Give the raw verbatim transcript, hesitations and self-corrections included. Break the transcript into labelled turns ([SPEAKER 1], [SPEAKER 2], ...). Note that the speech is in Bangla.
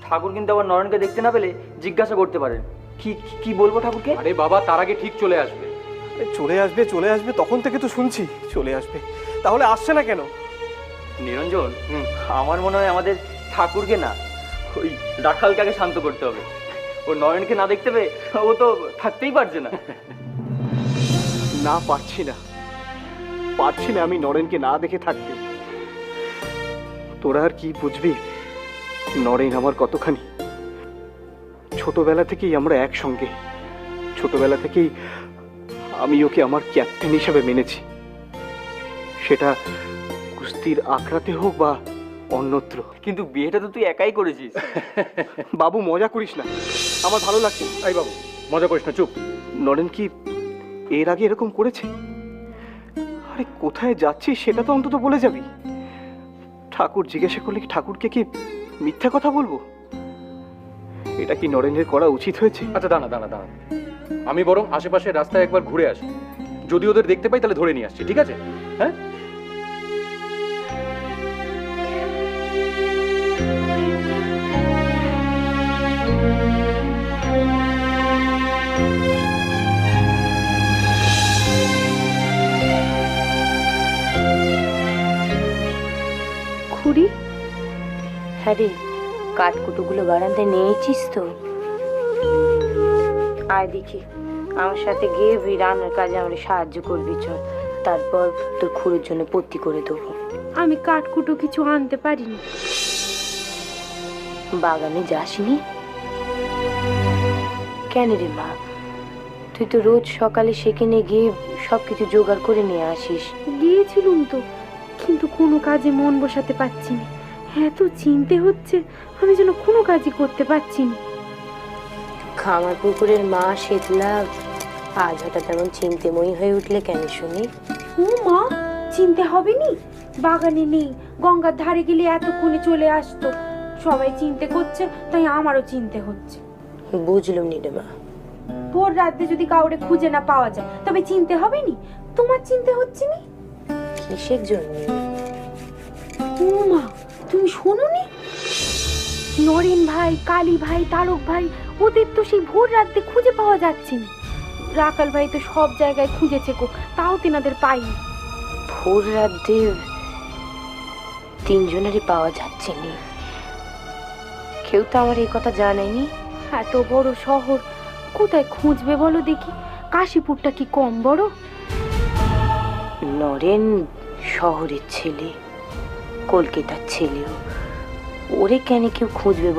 [SPEAKER 1] ঠাকুর কিন্তু আবার নরেনকে দেখতে না পেলে জিজ্ঞাসা করতে পারেন। কি কি বলবো ঠাকুরকে?
[SPEAKER 2] আরে বাবা, তার আগে ঠিক চলে আসবে।
[SPEAKER 3] চলে আসবে চলে আসবে তখন থেকে তো শুনছি চলে আসবে, তাহলে আসছে না কেন?
[SPEAKER 1] নিরঞ্জন, আমার মনে হয় আমাদের ঠাকুরকে না, ওই রাখালটাকে শান্ত করতে হবে। ও নরেনকে না দেখতে পেয়ে ও তো থাকতেই পারছে না।
[SPEAKER 3] না, পারছি না পারছি না আমি নরেনকে না দেখে থাকতে। তোরা আর কি বুঝবি, নরেন আমার কতখানি। ছোটবেলা থেকেই আমরা একসঙ্গে, ছোটবেলা থেকেই আমি ওকে আমার ক্যাপ্টেন হিসেবে মেনেছি, সেটা কুস্তির আখড়াতে হোক বা অন্যত্র।
[SPEAKER 1] কিন্তু বিয়েটা তো তুই একাই করেছিস।
[SPEAKER 3] বাবু মজা করিস না, আমার ভালো লাগছে।
[SPEAKER 2] এই বাবু, মজা করিস না, চুপ।
[SPEAKER 3] নরেন কি এর আগে এরকম করেছে? আরে কোথায় যাচ্ছিস সেটা তো অন্তত বলে যাবি। ঠাকুর জিজ্ঞাসা করলে কি ঠাকুরকে কি মিথ্যা কথা বলবো? এটা কি নরেনের করা উচিত হয়েছে?
[SPEAKER 2] আচ্ছা দাঁড়া দাঁড়া দাঁড়া, আমি বরং আশেপাশের রাস্তায় একবার ঘুরে আসি, যদি ওদের দেখতে পাই তাহলে ধরে নিয়ে আসছি, ঠিক আছে? হ্যাঁ,
[SPEAKER 4] খুড়ি, হ্যাঁ রে, কাঠকুটোগুলো বারান্দায় নিয়েছিস তো? আয় দেখি, আমার সাথে গিয়ে রান্নার কাজে আমার সাহায্য করবি, চল। তারপর তোর খুড়ির জন্য পত্তি করে দেবো।
[SPEAKER 5] আমি কাঠকুটো কিছু আনতে পারিনি।
[SPEAKER 4] বাগানে যাসনি কেন রে মা? তুই তো রোজ সকালে সেখানে গিয়ে সবকিছু জোগাড় করে নিয়ে আসিস।
[SPEAKER 5] গিয়েছিলুম তো, কিন্তু কোনো কাজে মন বসাতে পারছি না। এত চিনতে হচ্ছে, আমি যেন কোনো কাজই করতে পারছি না।
[SPEAKER 4] খামার পুকুরের মা শীতলা আজ হঠাৎ তেমন চিন্তাময়ী হয়ে উঠলে কেন শুনি?
[SPEAKER 5] ও মা, চিনতে হবে নি, বাগানে নেই, গঙ্গার ধারে গেলে এতক্ষণে চলে আসতো। সবাই চিনতে করছে, তাই আমারও চিনতে হচ্ছে।
[SPEAKER 4] বুঝলুম নি রে মা।
[SPEAKER 5] ভোর রাতে যদি কাউরে খুঁজে না পাওয়া যায় তবে চিনতে হবে নি? তোমার চিনতে হচ্ছে নি?
[SPEAKER 4] কিসের জন্য?
[SPEAKER 5] ও মা, তুমি শোনোনি? নরেন ভাই, কালী ভাই, তারক ভাই, ওদের তো সেই ভোর রাতে খুঁজে পাওয়া যাচ্ছে না। রাখাল ভাই তো সব জায়গায় খুঁজেছে গো, তাও তেনাদের পাইনি।
[SPEAKER 4] ভোর রাতে তিনজনেরই পাওয়া যাচ্ছে না। কেউ তো আমার এই কথা জানায়নি।
[SPEAKER 5] এত বড় শহর, কোথায় খুঁজবে বলো দেখি? কাশীপুরটা কি কম বড়?
[SPEAKER 4] নরেন শহরের ছেলে, কলকাতার ছেলেও, ওরে কেন কেউ খুঁজবে?